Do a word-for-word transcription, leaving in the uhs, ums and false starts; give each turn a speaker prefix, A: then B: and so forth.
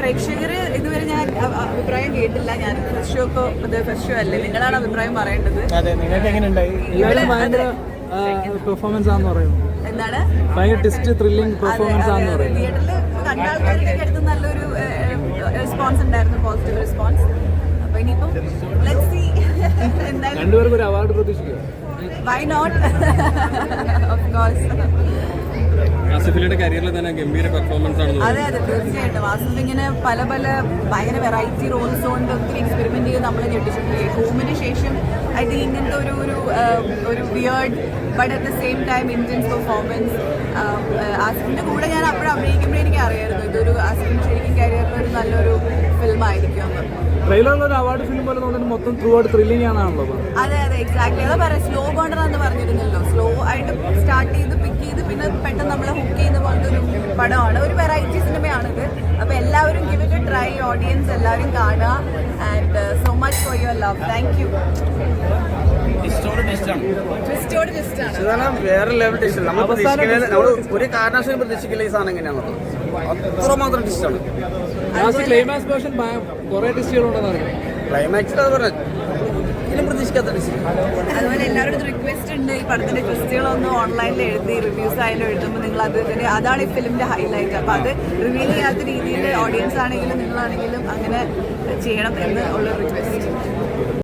A: പ്രേക്ഷകർ ഇതുവരെ ഞാൻ അഭിപ്രായം കേട്ടില്ല. ഞാൻ ഫസ്റ്റ് ഷോ ഇപ്പോൾ ഇത് ഫസ്റ്റ് ഷോ അല്ലേ, നിങ്ങളാണ് അഭിപ്രായം പറയേണ്ടത്.
B: അതെ, നിങ്ങൾക്ക് എങ്ങനെ ഉണ്ടായി? എല്ലാവരും ഭയങ്കര പെർഫോമൻസ് ആണെന്ന് പറയുന്നു.
A: എന്താണ്
B: ഭയങ്കര ടിസ്റ്റ് ത്രില്ലിംഗ് പെർഫോമൻസ് ആണെന്ന് പറയുന്നു.
A: തിയേറ്ററിൽ കണ്ട ആൾക്കാരുടെ അടുത്ത് നല്ലൊരു റെസ്പോൺസ് ഉണ്ടായിരുന്നു, പോസിറ്റീവ് റെസ്പോൺസ്. അപ്പൊ ഇനിയിപ്പം ലെറ്റ്സ് സീ എന്തായാലും
B: രണ്ടുപേർക്കും ഒരു അവാർഡ് പ്രതീക്ഷിക്കുക.
A: Why not, of course.
C: ആസിഫലിയുടെ കരിയറിൽ തന്നെ ഗംഭീര പെർഫോമൻസ് ആണ്.
A: അതെ അതെ തീർച്ചയായിട്ടും. ആസിഫ് ഇങ്ങനെ പല പല ഭയങ്കര വെറൈറ്റി റോൾസ് കൊണ്ട് ഒത്തിരി എക്സ്പെരിമെന്റ് ചെയ്ത് നമ്മളെ ഞെട്ടിച്ചിട്ടുണ്ട്. ഹോമിന് ശേഷം ഐ തിങ്ക് ഇങ്ങനത്തെ ഒരു ഒരു ഒരു weird but at the same time intense performance. ആസിഫിന്റെ കൂടെ ഞാൻ അപ്പോഴും അഭിനയിക്കുമ്പോഴേ എനിക്ക് അറിയായിരുന്നു ഇതൊരു ആസിഫിന് ശരിക്കും കരിയറിൽ ഒരു നല്ലൊരു ഫിലിം ആയിരിക്കും എന്ന്.
B: ട്രെയിലറിൽ ഒരു അവാർഡ് ഫിലിം പോലെ തോന്നുന്നു, മൊത്തം ത്രൂ ഔട്ട് ത്രില്ലിംഗ് ആണല്ലോ.
A: അതെ അതെ എക്സാക്ട്ലി. അതാ പറയാം, സ്ലോ ബേണർ എന്ന് പറഞ്ഞിരുന്നല്ലോ. സ്ലോ ആയിട്ട് സ്റ്റാർട്ട് ചെയ്ത് പിക്ക് ചെയ്ത് പിന്നെ പെട്ടെന്ന് നമ്മളെ ഹുക്ക് ചെയ്യുന്ന പോലത്തെ ഒരു പടമാണ്. ഒരു വെറൈറ്റി സിനിമയാണിത്. അപ്പോൾ എല്ലാവരും give it a try. Audience എല്ലാവരും കാണുക. And so much for your love. Thank you. ട്വിസ്റ്റോട് ട്വിസ്റ്റാണ്,
D: വേറെ ലെവൽ ടിസ്റ്റ്. നമ്മൾ പ്രതീക്ഷിക്കുന്നത് നമ്മൾ ഒരു കാരണവശാലും പ്രതീക്ഷിക്കില്ല ഈ സാധനം എങ്ങനെയാണുള്ളത്. അത്രമാത്രം ടിസ്റ്റാണ്.
B: ക്ലൈമാക്സ് വേർഷൻ കുറെ ടിസ്റ്റുകളുണ്ടെന്ന് അറിയാം.
D: ക്ലൈമാക്സിൽ അത് പറഞ്ഞത് ഇതിലും പ്രതീക്ഷിക്കാത്ത ടിസ്റ്റ്.
A: അതുപോലെ എല്ലാവരും റിക്വസ്റ്റ് ഉണ്ട്, ഈ പടത്തിന്റെ ട്വിസ്റ്റുകളൊന്നും ഓൺലൈനിൽ എഴുതി റിവ്യൂസ് ആയാലും എഴുതുമ്പോൾ നിങ്ങൾ അത് തന്നെ അതാണ് ഈ ഫിലിമിന്റെ ഹൈലൈറ്റ്. അപ്പോൾ അത് റിവീൽ ചെയ്യാത്ത രീതിയിൽ ഓഡിയൻസ് ആണെങ്കിലും നിങ്ങളാണെങ്കിലും അങ്ങനെ ചെയ്യണം എന്ന് ഉള്ള റിക്വസ്റ്റ്.